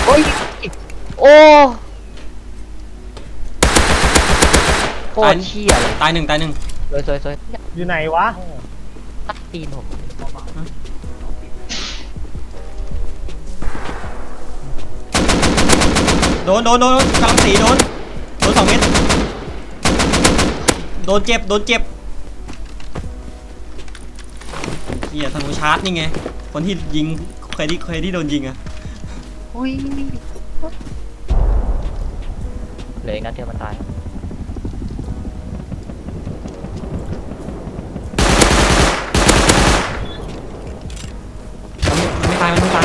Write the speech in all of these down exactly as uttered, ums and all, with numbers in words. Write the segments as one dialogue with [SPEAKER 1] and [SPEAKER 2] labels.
[SPEAKER 1] อ้ยโอ้โคตรเชี่ยเลย
[SPEAKER 2] ตายหนึ่งตายหนึ่ง
[SPEAKER 1] สวยสวยสวย
[SPEAKER 3] อยู่ไหนวะ
[SPEAKER 1] ตัดตีนผม
[SPEAKER 2] โดนโดนโดนกำลังสีโดนโดนสองเม็ดโดนเจ็บโดนเจ็บเฮียธนูชาร์จนี่ไงคนที่ยิงใครที่ใครที่โดนยิงอะ
[SPEAKER 1] อุ้ยเหลืออีกนัดเดียวมันตาย
[SPEAKER 2] มันไม่ตายมันไม่ตาย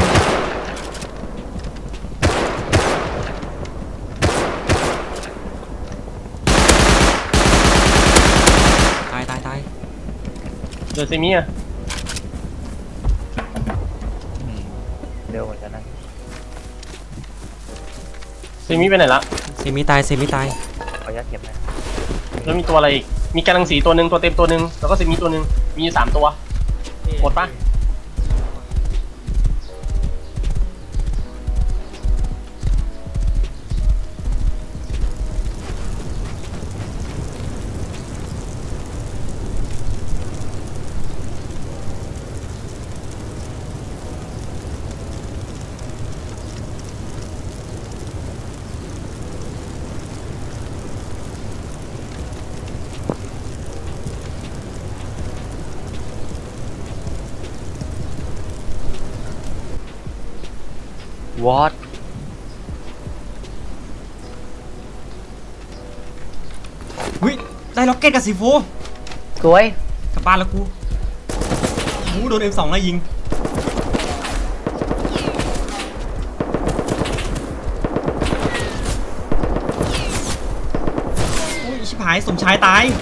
[SPEAKER 2] ตายตายตาย
[SPEAKER 3] เดือดเซมิอะ
[SPEAKER 1] อืมเร็วเหมือนกันนะ
[SPEAKER 3] เซมิไปไหนละ
[SPEAKER 2] เซมิตายเซมิตาย
[SPEAKER 1] ขออนุญาตเก็บนะ
[SPEAKER 3] แล้วมีตัวอะไรอีกมีกำลังสีตัวหนึ่งตัวเต็มตัวหนึ่งแล้วก็เซมิตัวหนึ่งมีอยู่สามตัวหมดปะ
[SPEAKER 1] วอต
[SPEAKER 2] หุ้ยได้ล็อกเก็ตกับซีโฟ
[SPEAKER 1] สวย
[SPEAKER 2] กลับบ้านแล้วกูหูโดน เอ็ม สอง ไล่ยิงอุ้ยชิบหายสมชายตาย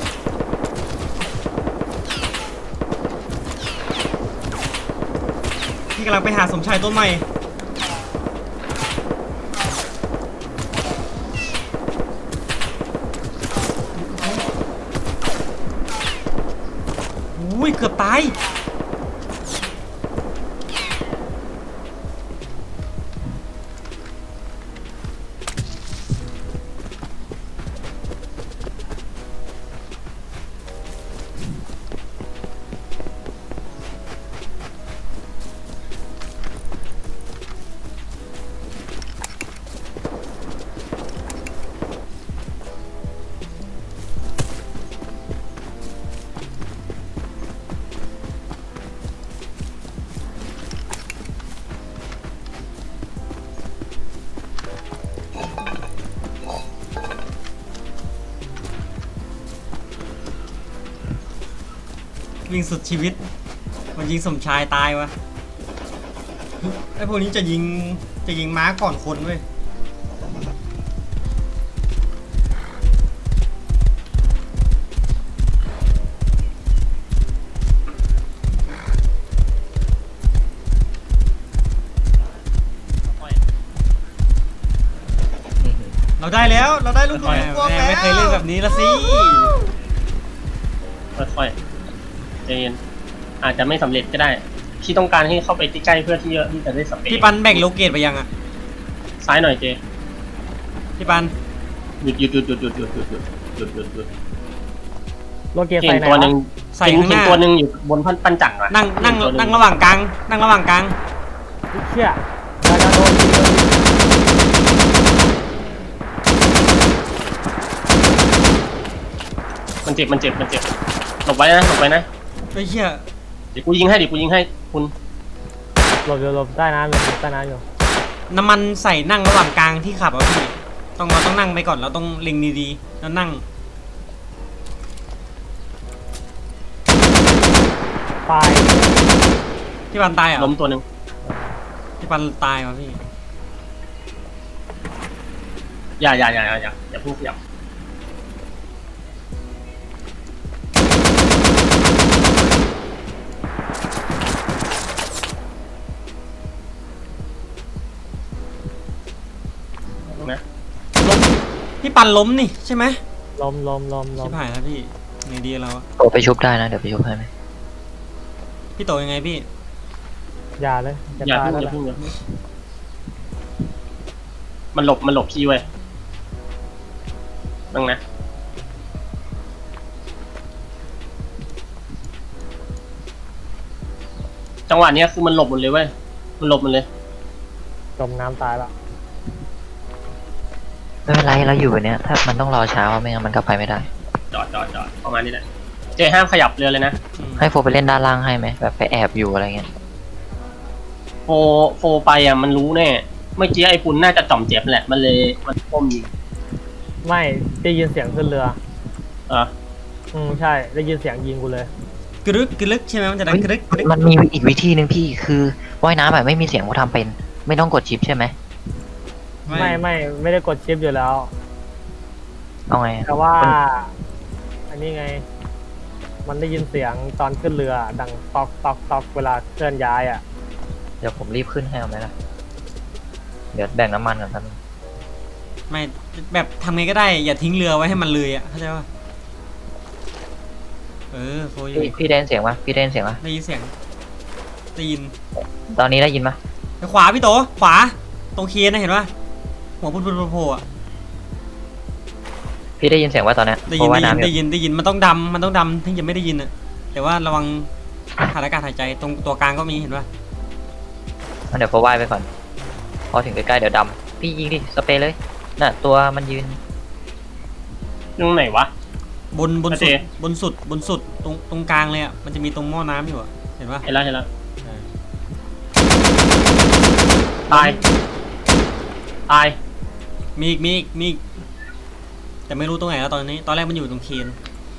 [SPEAKER 2] พี่กำลังไปหาสมชายต้นใหม่อุ้ยเกือบตายวิ่งสุดชีวิตมันยิงสมชายตายวะไอ้พวกนี้จะยิงจะยิงม้าก่อนคนเว้ยเราได้แล้วเราได้ลูกน้องพวกแล้วไม่เคยเล่นแบบนี้ละสิ
[SPEAKER 3] ค่อยๆใจเย็นอาจจะไม่สำเร็จก็ได้ที่ต้องการให้เข้าไปใกล้ๆเพื่อที่ที่จะได้สเปรย์
[SPEAKER 2] พี่ปันแบ่งโลเกตไปยังอ่ะ
[SPEAKER 3] ซ้ายหน่อยเจ
[SPEAKER 2] พี่ปัน
[SPEAKER 3] หยุดหยุดหยุดหยุดหยุดหยุดหยุดหยุดหยุดหยุดหยุด
[SPEAKER 4] โลเกีย
[SPEAKER 3] เห็
[SPEAKER 4] ใส่
[SPEAKER 3] น
[SPEAKER 4] ไหน
[SPEAKER 3] ตัวหนึ่ง
[SPEAKER 2] ใส่
[SPEAKER 3] เห็น
[SPEAKER 2] ข้างห
[SPEAKER 3] เห็น
[SPEAKER 2] น้า
[SPEAKER 3] ตัวหนึ่งอยู่บนพันปันจักรอะ
[SPEAKER 2] นั่งนั่ง
[SPEAKER 3] เห็ตัวห
[SPEAKER 2] นั่งระหว่างกลางนั่งระหว่างกลาง
[SPEAKER 4] เชี่ยดาดาโดนยิงเลย
[SPEAKER 3] มันเจ็บมันเจ็บมันเจ็บหลบไว้นะหลบไว้นะ
[SPEAKER 2] ไอ้เหี้ย
[SPEAKER 3] เดี๋ยวกูยิงให้เดี๋ยวกูยิงให้คุณ
[SPEAKER 4] หลบอยู่หลบใต้น้ำอยู่หลบใต้น้ำอยู่
[SPEAKER 2] น้ำมันใส่นั่งระหว่างกลางที่ขับอ่ะพี่ต้องเราต้องนั่งไปก่อนเราต้องเล็งดีๆแล้วนั่ง
[SPEAKER 4] ตาย
[SPEAKER 2] พี่ปันตายเหรอ
[SPEAKER 3] ล้มตัวหนึ่ง
[SPEAKER 2] พี่ปันตายวะพี่
[SPEAKER 3] อย่าอย่าอย่าอย่าอย่าอย่าพูดอย่านะ
[SPEAKER 2] ล้มพี่ปันล้มนี่ใช่ไหม
[SPEAKER 4] ลมลมลมล
[SPEAKER 2] ชิ
[SPEAKER 4] ม
[SPEAKER 2] บหายแล้วพี่ไงดีเราอะ
[SPEAKER 1] โตไปชุบได้นะเดี๋ยวไปชุบให้ไหม
[SPEAKER 2] พี่โตยังไงพี่
[SPEAKER 4] อย่าเลยจะ
[SPEAKER 3] อย่า
[SPEAKER 4] ตาย
[SPEAKER 3] เพิ่ง
[SPEAKER 4] แล้ว
[SPEAKER 3] อย่า
[SPEAKER 4] แหละ
[SPEAKER 3] เพิ่งอย่าเพิ่งมันหลบมันหลบพี่เว้ยนั่งนะจังหวะเนี้ยคือมันหลบหมดเลยเว้ยมันหลบหมดเลย
[SPEAKER 4] จมน้ำตายละ
[SPEAKER 1] ไม่เป็นไรเราอยู่แบบเนี้ยถ้ามันต้องรอเช้าไม่งั้นมันก็ไปไม่ได้
[SPEAKER 3] จอดจอดจอดประมาณนี้แหละเจห้ามขยับเรือเลยนะ
[SPEAKER 2] อืม
[SPEAKER 1] ให้โฟไปเล่นด้านล่างให้ไหมแบบไปแอบอยู่อะไรเงี้ย
[SPEAKER 3] โฟโฟไปอ่ะมันรู้แน่เมื่อกี้ไอ้ปุนน่าจะจ่อมเจ็บแหละมันเลยมันก้มยิง
[SPEAKER 4] ไม่ได้ยินเสียงขึ้นเรือ
[SPEAKER 3] เออ
[SPEAKER 4] อืมใช่ได้ยินเสียงยิงกูเลย
[SPEAKER 2] กรึกกรึกใช่ไหมมันจะดังกรึกกรึก
[SPEAKER 1] มันมีอีกวิธีหนึ่งพี่คือว่ายน้ำแบบไม่มีเสียงกูทำเป็น ไม่ต้องกดชิปใช่ไหม
[SPEAKER 4] ไม่ไม่ไม่ได้กดชิปอยู่แล้ว
[SPEAKER 1] เอาไงอะ
[SPEAKER 4] แต่ว่า อันนี้ไง มันได้ยินเสียงตอนขึ้นเรือ ดังตอกตอกตอกเวลาเคลื่อนย้ายอ่ะ
[SPEAKER 1] เดี๋ยวผมรีบขึ้นให้เอาไหมล่ะเดี๋ยวแบ่งน้ำมันก่อนครับ
[SPEAKER 2] ไม่แบบทำไงก็ได้อย่าทิ้งเรือไว้ให้มันเลยอ่ะเข้าใจป่ะเออโฟย
[SPEAKER 1] พี่พี่ได้ยินเสียงปะพี่ได้ยินเสียงปะ
[SPEAKER 2] ได้ยินเสียงได้ยิน
[SPEAKER 1] ตอนนี้ได้ยินปะ
[SPEAKER 2] ไปขวาพี่โตขวาตรงเคียนนะเห็นป่ะหัวพุ่นพุ่นโผล่อะ
[SPEAKER 1] พี่ได้ยินเสียงว่าตอนเนี้ย
[SPEAKER 2] ได้
[SPEAKER 1] เพ
[SPEAKER 2] ยิน
[SPEAKER 1] ราะว่า
[SPEAKER 2] ได้ยิน
[SPEAKER 1] น้ำอ
[SPEAKER 2] ได้
[SPEAKER 1] ยู่
[SPEAKER 2] ยินได้ยินมันต้องดำมันต้องดำถึงจะไม่ได้ยินอ่ะแต่ว่าระวังขาดอากาศหายใจตรงตัวกลางก็มีเห็นป่ะ
[SPEAKER 1] งั้นเดี๋ยวโฟว่ายไปก่อน พอถึงใกล้ๆเดี๋ยวดำพี่ยิงดิสเปรย์เลยน่ะตัวมันยืน
[SPEAKER 3] ตรงไหนวะ
[SPEAKER 2] บนบน
[SPEAKER 3] โอ
[SPEAKER 2] สุ
[SPEAKER 3] เค
[SPEAKER 2] ดบนสุดบนสุดตรงตรงกลางเลยอ่ะมันจะมีตรงหม้อน้ำอยู่อ่ะเห็นป่ะ
[SPEAKER 3] เห็นแล้วเห็นแล้วตายตาย
[SPEAKER 2] มีอีกมีอีกมีอีกแต่ไม่รู้ตรงไหนแล้วตอนนี้ ตอนแรกมันอยู่ตรงเคียน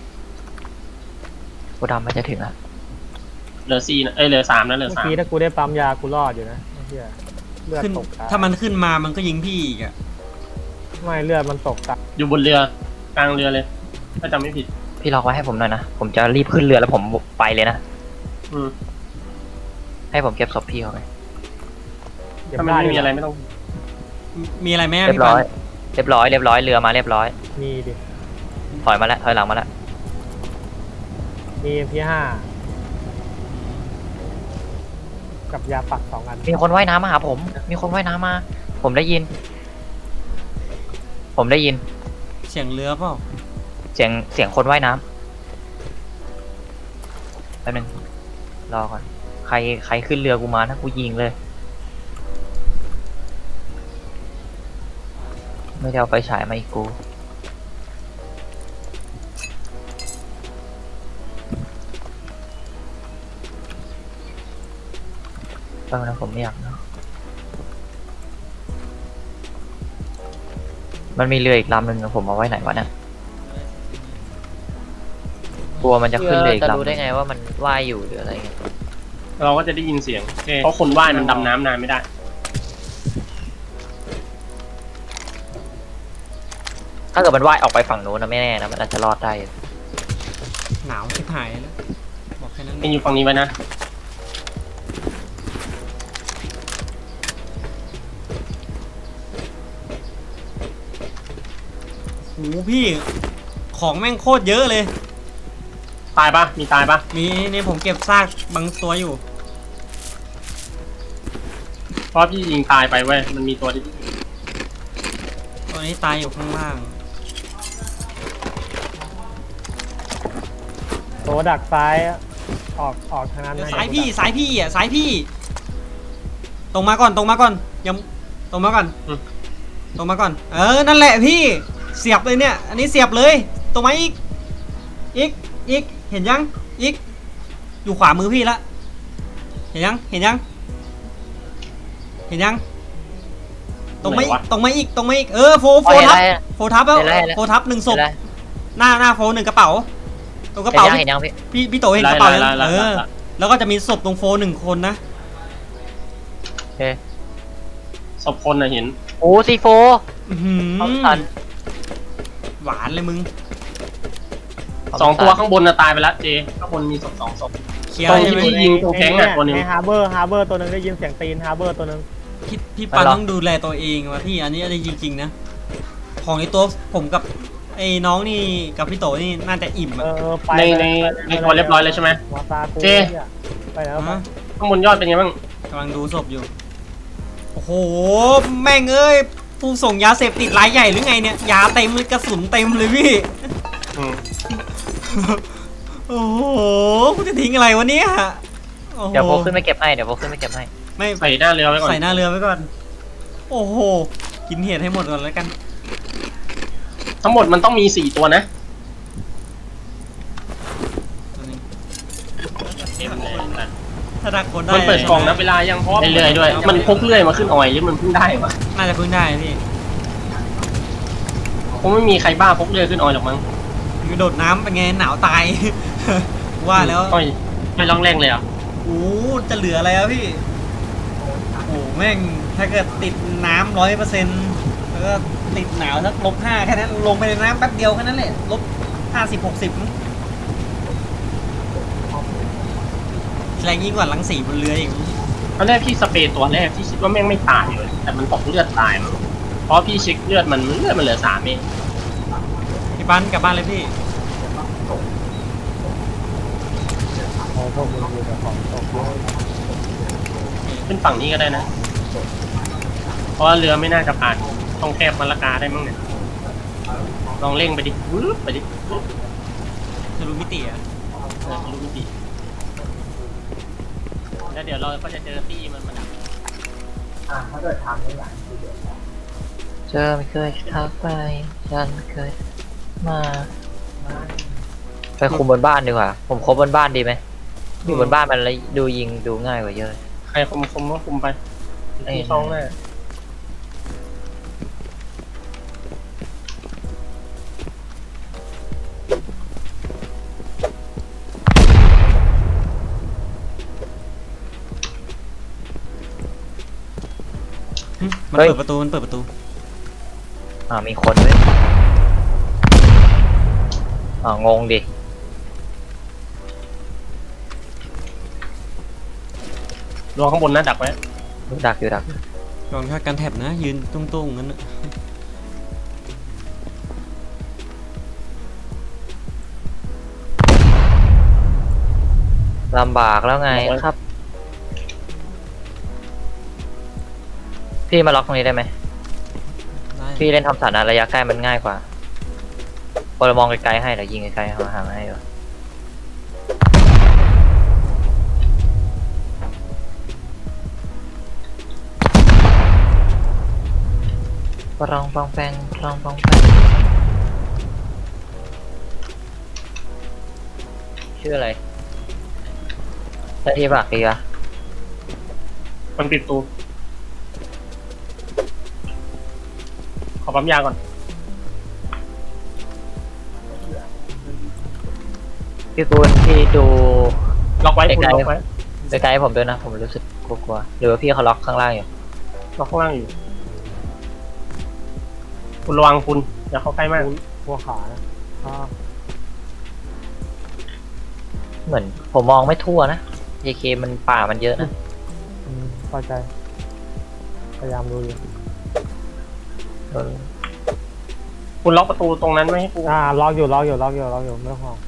[SPEAKER 1] กูดำมันจะถึงอ่ะ
[SPEAKER 3] เหลือสี่นะเอ้ยเหลือสามนะเหลือ
[SPEAKER 4] เมื่อ
[SPEAKER 3] สาม
[SPEAKER 4] กี้ถ้ากูได้ปั๊มยากูรอดอยู่นะไอ้เหี้ยเลือด
[SPEAKER 2] ขึ้น
[SPEAKER 4] ตกตา
[SPEAKER 2] ถ้ามันขึ้นมามันก็ยิงพี่อีกอ่ะ
[SPEAKER 4] ไม่เลือดมันตกตา
[SPEAKER 3] อยู่บนเรือกลางเรือเลยถ้าจำไม่ผิด
[SPEAKER 1] พี่ล็อกไว้ให้ผมหน่อยนะผมจะรีบขึ้นเรือแล้วผมไปเลยนะ
[SPEAKER 3] อืม
[SPEAKER 1] ให้ผมเก็บศพพี่เขาไป
[SPEAKER 4] เดี๋ยว
[SPEAKER 3] ถ้ามัน
[SPEAKER 4] ได้
[SPEAKER 3] ไม่มีอะไรไม่ต้อง
[SPEAKER 2] มีมีอะไรไหม
[SPEAKER 1] เรีย
[SPEAKER 2] พี่
[SPEAKER 1] บ
[SPEAKER 2] ปั
[SPEAKER 1] ร้อน ยเรียบร้อยเรียบร้อยเรือมาเรียบร้อย
[SPEAKER 4] มีดิ
[SPEAKER 1] ถอยมาแล้วถอยหลังมาแล้ว
[SPEAKER 4] มี เอ็ม พี ห้า กับยาปักสองอัน
[SPEAKER 1] มีคนว่ายน้ำมาหาผม มีคนว่ายน้ำมา ผมได้ยิน ผมได้ยิน
[SPEAKER 2] เสียงเรือเปล่า
[SPEAKER 1] เสียงเสียงคนว่ายน้ำแป๊บนึงรอก่อนใครใครขึ้นเรือกูมาถ้ากูยิงเลย ไม่ได้เอาไฟฉายมาอีกกูแป๊บนึงผมไม่อยากเนาะมันมีเรืออีกลำหนึ่งผมเอาไว้ไหนวะเนี่ยกลัวมันจะขึ้นเรืออีกลำจะรู้ได้ไงว่ามันว่ายอยู่หรืออะไรเงี้ย
[SPEAKER 3] เราก็จะได้ยินเสียงเพราะคนว่ายมันดำน้ำนานไม่ได้
[SPEAKER 1] ถ้าเกิดมันว่ายออกไปฝั่งนู้นนะไม่แน่นะมันอาจจะรอดได้
[SPEAKER 2] หนาวชิบหายแล้วบอกแค่นั้น
[SPEAKER 3] เป็นอยู่ฝั่งนี้ไว้นะ
[SPEAKER 2] โอ้โหพี่ของแม่งโคตรเยอะเลย
[SPEAKER 3] ตายปะมีตายปะ
[SPEAKER 2] มีนี่ผมเก็บซากบางตัวอยู่
[SPEAKER 3] เพราะพี่ยิงตายไปเว้ยมันมีตัวที่
[SPEAKER 2] ตัวนี้ตายอยู่ข้างล่าง
[SPEAKER 4] โตดักซ้ายออกออกทางนั้นนะ
[SPEAKER 2] สายพี่สายพี่อ่ะสายพี่ ตรงมาก่อนตรงมาก่อนยังตรงมาก่อนตรงมาก่อน เออนั่นแหละพี่เสียบเลยเนี่ย อันนี้เสียบเลยตรงมาอีกอีกอีกเห็นยังอีกอยู่ขวามือพี่ละเห็นยังเห็นยังเห็นยังตรงมาอีกตรงมาอีกตรงมาอีกเออโฟโฟทับโฟทับแล้วโฟทับหนึ่งศพหน้าหน้าโฟหนึ่งกระเป๋าตรงกระเป๋า
[SPEAKER 1] เห็นยังเห็นยังพี่
[SPEAKER 2] พี่พี่โตเห็นกระเป๋ายังเออแล้วก็จะมีศพตรงโฟหนึ่งคนนะ
[SPEAKER 1] โอเค
[SPEAKER 3] ศพคนน่ะเห็น
[SPEAKER 1] โอ้ซีโฟ
[SPEAKER 2] อื้อหือ
[SPEAKER 1] เอาทัน
[SPEAKER 2] หวานเลยมึง
[SPEAKER 3] สองตัวข้างบนน่ะตายไปแล้วเจข้างบนมีศพสองศพ
[SPEAKER 2] เคลียร์
[SPEAKER 3] ตรง
[SPEAKER 2] ใช่
[SPEAKER 3] ที่
[SPEAKER 2] ไหม
[SPEAKER 3] พี่ยิงตรงแข้งอ่ะตัวหนึง
[SPEAKER 4] ในฮาร์เบอร์ฮาร์เบอร์ตัวหนึงได้ยินเสียงตีนฮาร์เบอร์ตัวหนึง
[SPEAKER 2] พี่พี่ปังต้องดูแลตัวเองว่ะพี่อันนี้อันนี้จริงๆนะของในตัวผมกับไอ้น้องนี่กับพี่โตนี่น่าจะอิ่ม
[SPEAKER 4] เอ
[SPEAKER 2] อะ
[SPEAKER 4] อเออไป
[SPEAKER 3] ใน
[SPEAKER 4] เลย
[SPEAKER 3] ใน
[SPEAKER 4] ไปล
[SPEAKER 3] ในตัวเรียบร้อยเลยใช่ไหม
[SPEAKER 4] วาซากู
[SPEAKER 3] เจ
[SPEAKER 4] เนี่ยไปแล้วไป
[SPEAKER 2] ฮะ
[SPEAKER 3] ข้างบนยอดเป็นไงบ้าง
[SPEAKER 2] กำลังดูศพอยู่โอ้โหแม่งเอ้ยโฟผู้ส่งยาเสพติดรายใหญ่หรือไงเนี่ยยาเต็มเลยกระสุนเต็มเลยพี่
[SPEAKER 3] อืม
[SPEAKER 2] โอ้โหกูจะทิ้งอะไรวะเนี่ยโอ้โห
[SPEAKER 1] เดี๋ยวโพขึ้นไปเก็บให้เดี๋ยวโพขึ้นไปเก็บให้
[SPEAKER 2] ไม่
[SPEAKER 3] ใส่หน้าเรือไว้ก่อน
[SPEAKER 2] ใส่หน้าเรือไว้ก่อน โอ้โหกินเห็ดให้หมดก่อนแล้วกัน
[SPEAKER 3] ทั้งหมดมันต้องมีสี่ตัวนะ
[SPEAKER 2] ตัวนี้
[SPEAKER 3] เต็มเลยนะ
[SPEAKER 2] ถ้าดักคนได้
[SPEAKER 3] มันเปิดกล่องนับเวลายังเพราะว่าเรื่อยๆด้วย มันพกเรื่อยมาขึ้นออยหรือมันเพิ่งได้ปะ
[SPEAKER 2] น่าจะเพิ่งได้พี่
[SPEAKER 3] คงไม่มีใครบ้าพกเรื่อยขึ้นออยหรอกมั้ง
[SPEAKER 2] อยู่โดดน้ำเป็นไงหนาวตาย ว่าแล้ว
[SPEAKER 3] อ้อยไม่ร้องแรงเลยอ่ะ
[SPEAKER 2] โอ้จะเหลืออะไรอะพี่ โอ้แม่งถ้าเกิดติดน้ำร้อยเปอร์เซ็นต์แล้วก็ติดหนาวสักลบห้าแค่นั้นลงไปในน้ำแป๊บเดียวแค่นั้นแหละลบห้าสิบหกสิบแรงยิ่งกว่ารังสีบนเรืออีก
[SPEAKER 3] ตอนแรกพี่สเปรย์ตัวแรกที่คิดว่าแม่งไม่ตายเลยแต่มันตกเลือดตายมั้งเพราะพี่เช็คเลือดมันเลือดมันเหลือสามเอง
[SPEAKER 2] พี่บ้านกลับบ้านเลยพี่
[SPEAKER 4] พอพวกมึงอยู่กับของตกเยอะ
[SPEAKER 3] ขึ้นฝั่งนี้ก็ได้นะ เพราะว่าเรือไม่น่าจะผ่านต้องแคบมะละกาได้มั้งเนี่ยลองเร่งไปดิวืบไปดิวืบ
[SPEAKER 2] จะรู้มิติอะ
[SPEAKER 3] เออรู้มิติแล้วเดี๋ยวเราก็จะเจอตี้มันมาดัก
[SPEAKER 1] เธอไม่เคยทักไปฉันเคยมาไปคุมบนบ้านดีกว่าผมคบบนบ้านดีไหมอยู่บนบ้านมันแล้วดูยิงดูง่ายกว่าเยอะ
[SPEAKER 3] ใครคุมคุมก็คุมไปที่ช่องหน้า
[SPEAKER 2] หึมันเปิดประตูมันเปิดประตู
[SPEAKER 1] อ่ามีคนด้วยอ่างงดิ
[SPEAKER 3] รอข้างบนนะดักไว้
[SPEAKER 1] ดักอยู่ดัก
[SPEAKER 2] ลองชาติการแท็บนะ ยืนตุ้งๆงั้นนะ
[SPEAKER 1] ลำบากแล้วไงครับ พี่มาล็อกตรงนี้ได้ไหม
[SPEAKER 2] ได้
[SPEAKER 1] พี่เล่นทำสถานะระยะใกล้มันง่ายกว่าพอเรามองไกลๆให้เดี๋ยวยิงไกลๆห่างๆให้ดีกว่าปรองปองแปงปรองปองแปงชื่ออะไรได้ที่ปากดีอะ
[SPEAKER 3] มันปิดประตูขอปั๊มยาก่อน
[SPEAKER 1] พี่ปูนพี่ดู
[SPEAKER 3] ล็อกไว้คุณ
[SPEAKER 1] ไกลๆ
[SPEAKER 3] ล็อกไว้
[SPEAKER 1] ไกลๆให้ผมด้วยนะผมรู้สึกกลัวๆหรือว่าพี่เขาล็อกข้างล่างอยู่
[SPEAKER 3] ล็อกข้างล่างอยู่ คุณระวังคุณอย่าเข้าใกล้มาก
[SPEAKER 4] พวกขานะอ่า
[SPEAKER 1] เหมือนผมมองไม่ทั่วนะ เอ เค มันป่ามันเยอะนะ
[SPEAKER 4] อืมเข้าใจ พยายามดูอยู่
[SPEAKER 1] เออ
[SPEAKER 3] คุณล็อกประตูตรงนั้นไม่ให้กู
[SPEAKER 4] อ่าล็อกอยู่ล็อกอยู่ล็อกอยู่ล็อกอยู่ไม่ต้องห่วง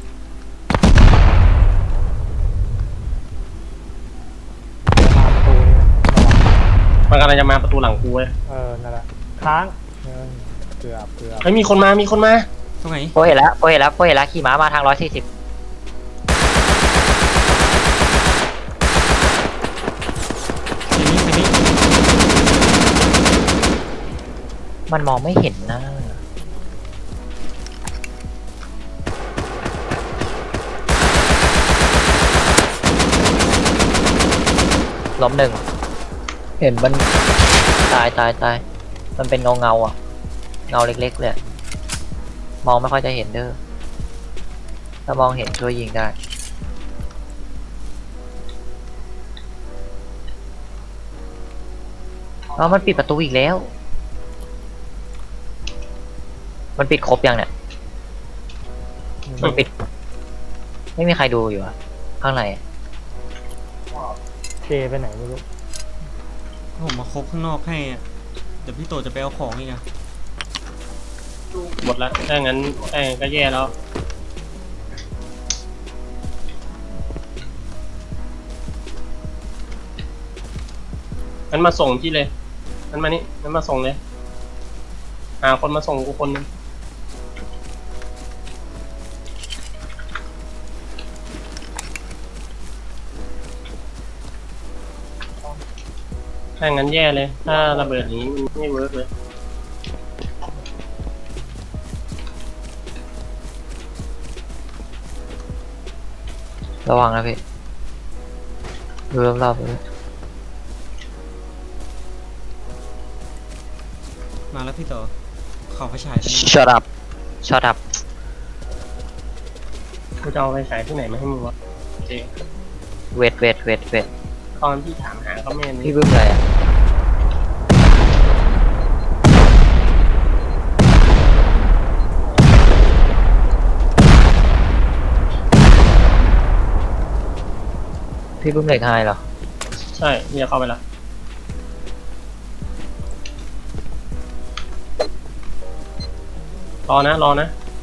[SPEAKER 4] มาประตูนี้นะระวัง
[SPEAKER 3] มันกำลังจะมาประตูหลังกูเว้ย
[SPEAKER 4] เออนั่นแหละค้างเออเกือบเกือบ
[SPEAKER 3] เฮ้ยมีคนมามีคนมา
[SPEAKER 2] ตรงไหน
[SPEAKER 1] โปเห็นแล้วโปเห็นแล้วโปเห็นแล้วขี่ม้ามาทางร้อยสี่สิบ
[SPEAKER 2] ทีนี้ทีนี้
[SPEAKER 1] มันมองไม่เห็นนะล้มหนึ่งเห็นมันตายตายตายมันเป็นเงาเงาๆอ่ะ เงาเล็กๆเลยอะมองไม่ค่อยจะเห็นเด้อถ้ามองเห็นช่วยยิงได้เอามันปิดประตูอีกแล้ว มันปิดครบยังเนี่ย มันปิด ไม่มีใครดูอยู่อะข้างในอะ
[SPEAKER 4] เจไปไหนไม่รู้
[SPEAKER 2] ผมมาคบข้างนอกให้อะเดี๋ยวพี่โตจะไปเอาของอีกอะ
[SPEAKER 3] หมดแล้วถ้างั้นถ้างั้นก็แย่แล้วงั้นมาส่งที่เลยงั้นมานี่งั้นมาส่งเลยหาคนมาส่งกูคนนึงถ้างั้นแย่เลย ถ้าระเบิดอย่างนี้มันไม่เวิร์กเลย
[SPEAKER 1] ระวังนะพี่ดูรอบๆเลย
[SPEAKER 2] มาแล้วพี่โตขอไฟฉายไปหน่อย
[SPEAKER 1] shut up shut up
[SPEAKER 3] กูจะเอาไปฉายที่ไหนมาให้มึงวะเจ
[SPEAKER 1] เวทเวทเวทเวท
[SPEAKER 3] ตอนที่ถามหาก็ไม่เห็น
[SPEAKER 1] พี่บึ้มอะไรอ่ะพี่บึ้มเหล็กไฮเหรอ
[SPEAKER 3] ใช่นี่จะเข้าไปแล้วรอนะ รอนะ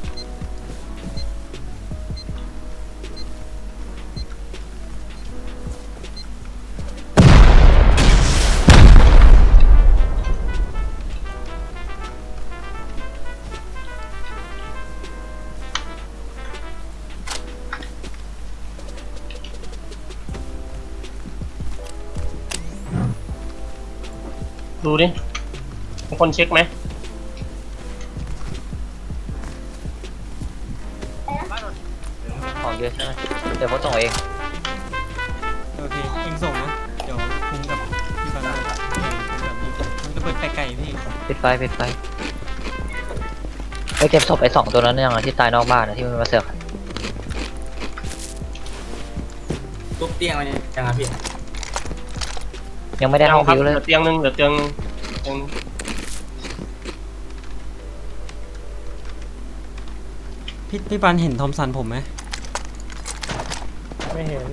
[SPEAKER 3] ดูดิมีคนเช็คไหม
[SPEAKER 1] ของเยอะใช่ไหมเดี๋ยวผมส่งเอง
[SPEAKER 2] โอเคเองส่งนะเดี๋ยวคุ้มกับพี่ฟันเลยเออคุ้มกับพี่มันจะเปิดไก่ๆพี่
[SPEAKER 1] ปิดไฟปิดไฟไปเก็บศพไอ้สองตัวนั้นยังอะที่ตายนอกบ้านนะที่มันมาเสือก
[SPEAKER 5] ทุบเตียงมันยังไงพี่
[SPEAKER 1] ยังไม่ได้ห้อง
[SPEAKER 3] ครับ
[SPEAKER 1] บิว
[SPEAKER 3] เห
[SPEAKER 1] เล
[SPEAKER 3] ลื
[SPEAKER 1] ย
[SPEAKER 3] อเตียงหนึงเหลือเตียงหนึงเตียง
[SPEAKER 2] พี่พี่ปันเห็นทอมสันผมไหม
[SPEAKER 4] ไม่เห็น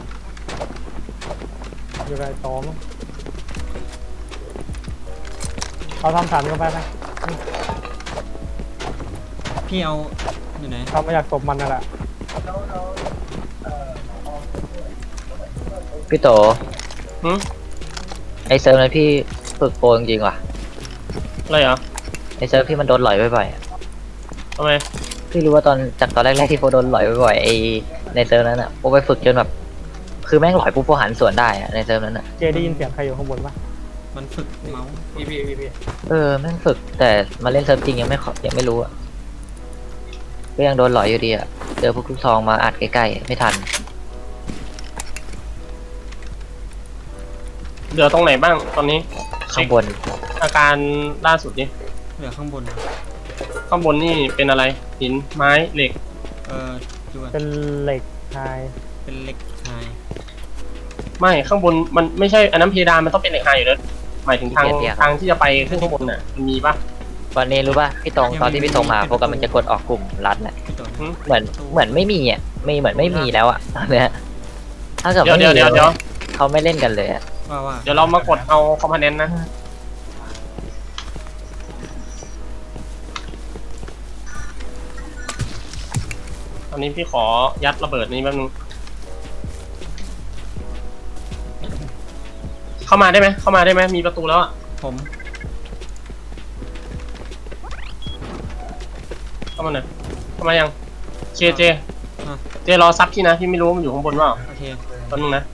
[SPEAKER 4] อยู่กับไอ้โตมั้งเขาทำสันกันไปไหม
[SPEAKER 2] พี่เอาอยู่ไหน
[SPEAKER 4] เขาไม่อยากตบมันนั่นแหละ
[SPEAKER 1] พี่โต
[SPEAKER 3] หืม
[SPEAKER 1] ไอเซิร์ฟนั้นพี่ฝึกโปรจริงๆว่ะ
[SPEAKER 3] อะไรเหรอ
[SPEAKER 1] ไอเซิร์ฟที่มันโดนหลอยบ่อยๆอะ
[SPEAKER 3] ทำไม
[SPEAKER 1] พี่รู้ว่าตอนจากตอนแรกๆที่โปรโดนหลอยบ่อยๆไอในเซิร์ฟนั้นอ่ะโปรไปฝึกจนแบบคือแม่งหลอยปุ๊บโปรหันสวนได้อะในเซิร์ฟนั้นอ่ะ
[SPEAKER 4] เจได้ยินเสียงใครอยู่ข้างบนปะ
[SPEAKER 2] มันฝึกเมาส์
[SPEAKER 5] พี่พี่พี่พี่
[SPEAKER 1] เออแม่งฝึกแต่มาเล่นเซิร์ฟจริงยังไม่ขอยังไม่รู้อ่ะก็ยังโดนหลอยอยู่ดีอ่ะเจอพวกลูกซองมาอัดใกล้ๆไม่ทัน
[SPEAKER 3] เหลือตรงไหนบ้างตอนนี้
[SPEAKER 1] ข้างบน
[SPEAKER 3] อาการล่าสุดนี่
[SPEAKER 2] เหลือข้างบน
[SPEAKER 3] ข้างบนนี่เป็นอะไรหินไม้เหล็ก
[SPEAKER 2] เออดูก่อน
[SPEAKER 4] เป็นเหล็กไฮ
[SPEAKER 2] เป็นเล็กไฮ
[SPEAKER 3] ไม่ข้างบนมันไม่ใช่อันนั้นเพดานมันต้องเป็นเหล็กไฮอยู่แล้วหมายถึงทางทางที่จะไปขึ้นข้างบนน่ะมันมีปะ
[SPEAKER 1] วันนี้รู้ป่ะพี่ตรงตอนที่พี่ตรงมาโปรแกรมมันจะกดออกกลุ่มรัดแหละ
[SPEAKER 2] พี่โต
[SPEAKER 3] หืม
[SPEAKER 1] เหมือนเหมือนไม่มีอ่ะไม่เหมือนไม่มีแล้วอ่ะตอนเนี้ยถ้าเกิด
[SPEAKER 3] เดี๋ยว
[SPEAKER 1] ไม่
[SPEAKER 3] เดี๋ยว
[SPEAKER 1] มี
[SPEAKER 3] เดี๋ยวเดี๋ยว
[SPEAKER 1] เขาไม่เล่นกันเลยอ่ะ
[SPEAKER 2] ว่าว่า
[SPEAKER 3] เดี๋ยวเรามากดเอาคอมโพเนนต์นะตอนนี้พี่ขอยัดระเบิดนี้แป๊บนึงเข้ามาได้ไหมเข้ามาได้ไหมมีประตูแล้วอ่ะ
[SPEAKER 2] ผม
[SPEAKER 3] เข้ามาหน่อยเข้ามายังเจเจเจรอซับพี่นะพี่ไม่รู้ว่ามันอยู่ข้างบนเปล่า
[SPEAKER 2] โอเค
[SPEAKER 3] แป๊บนึงนะ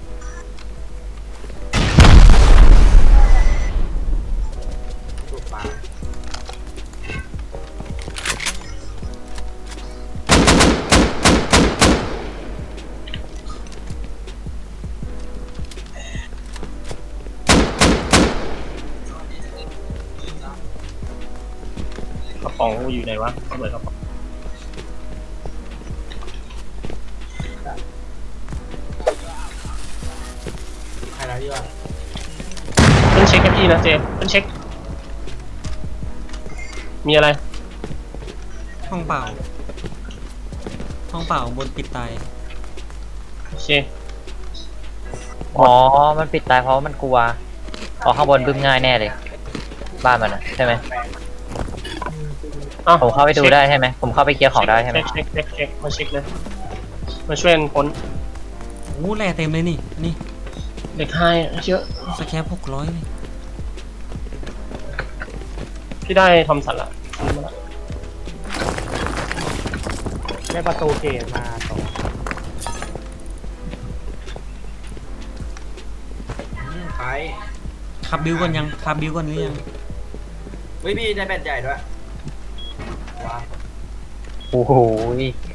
[SPEAKER 3] กระป๋องกูอยู่ไหนวะระเบิดกระป๋อง
[SPEAKER 5] ใครแล้วที่ว่า
[SPEAKER 3] เพิ่งเช็คกับพี่นะเจเพิ่งเช็ค มีอะไร
[SPEAKER 2] ห้องเปล่า ห้องเปล่าบนปิดตาย
[SPEAKER 3] โอเค
[SPEAKER 1] อ๋อมันปิดตายเพราะว่ามันกลัวออกข้างบนบึ้มง่ายแน่เลยบ้านมันอะใช่ไหม
[SPEAKER 3] อ้าว
[SPEAKER 1] ผมเข้าไปดูได้ใช่ไหมผมเข้าไปเคลียร์ของได้ใช่ไหม
[SPEAKER 3] เช็คเช็คเช็คเช็คมาเช็คเลย มาช่วยกันค้น
[SPEAKER 2] โอ้แร่เต็มเลยนี่อันนี่
[SPEAKER 3] เด็กไฮเยอะ
[SPEAKER 2] สแคปหกร้อยเลย
[SPEAKER 3] พี่ได้ทอมสันละ
[SPEAKER 4] ได้ประตูเกตมาตรง
[SPEAKER 5] อืมไป
[SPEAKER 2] ขับบิวก่อนยังขับบิวก่อนหรือยัง
[SPEAKER 5] เฮ้ยพี่ได้แบตใหญ่ด้วยว้าว
[SPEAKER 1] โอ้โห